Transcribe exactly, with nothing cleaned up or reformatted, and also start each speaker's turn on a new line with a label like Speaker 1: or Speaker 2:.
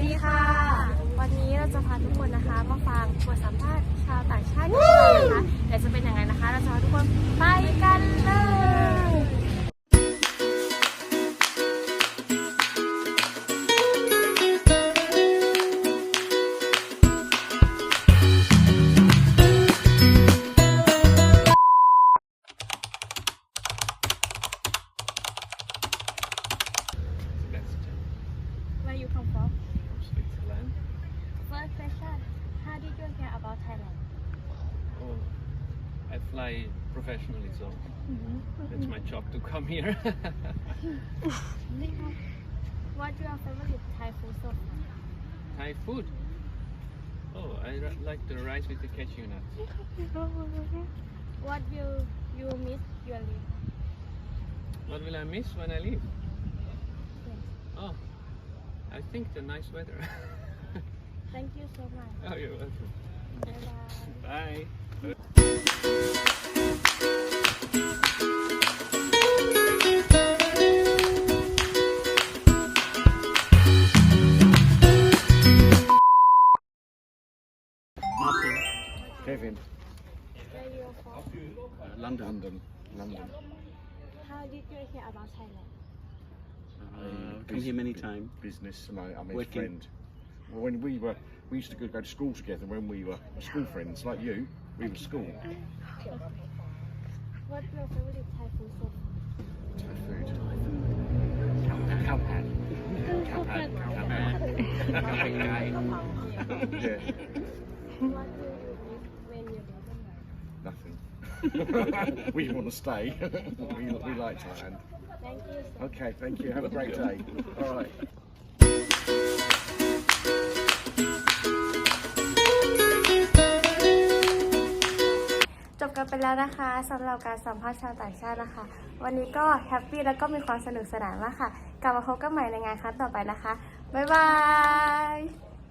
Speaker 1: ดีค่ะวันนี้เราจะพาทุกคนนะคะมาฟังบทสัมภาษณ์ชาวต่างชาติกันนะคะแต่จะเป็นยังไงนะคะเราจะพาทุกคนไปกันเลย Where you come from?
Speaker 2: Switzerland.
Speaker 1: First question, how did you hear about Thailand?
Speaker 2: Oh, I fly professionally, so it's my job to come here.
Speaker 1: What's your favorite Thai food so far?
Speaker 2: Thai food. Oh, I r- like the rice with the cashew nuts.
Speaker 1: What will you miss your leave?
Speaker 2: What will I miss when I leave? Oh, I think the nice weather.
Speaker 1: Thank you so much.
Speaker 2: Oh, you're welcome.
Speaker 1: Bye bye.
Speaker 2: Bye.
Speaker 3: มาร์ติน
Speaker 4: Kevin,
Speaker 1: Where you from?
Speaker 3: ลอนดอน
Speaker 4: London, London.
Speaker 1: How did you hear about Thailand?
Speaker 3: Uh, come here many times.
Speaker 4: Business, and I, I'm his
Speaker 3: Working.
Speaker 4: friend. Well, when we were, we used to go, go to school together. When we were school friends, like you, we were school.
Speaker 1: What's your favorite Thai food so far?
Speaker 4: Thai food. Cow pad. Cow pad. Cow pad. Yeah,
Speaker 1: What will you miss when you leave?
Speaker 4: nothing. We want to stay. we, we like Thailand.
Speaker 1: Thank you so
Speaker 4: Okay, thank you. Have a great day. All right. จบกันไปแล้วนะคะสำหรับการสัมภาษณ์ชาวต่างชาตินะคะ วันนี้ก็แฮปปี้แล้วก็มีความสนุกสนานมากค่ะ กลับมาพบกันใหม่ในงานครั้งต่อไปนะคะ บ๊ายบาย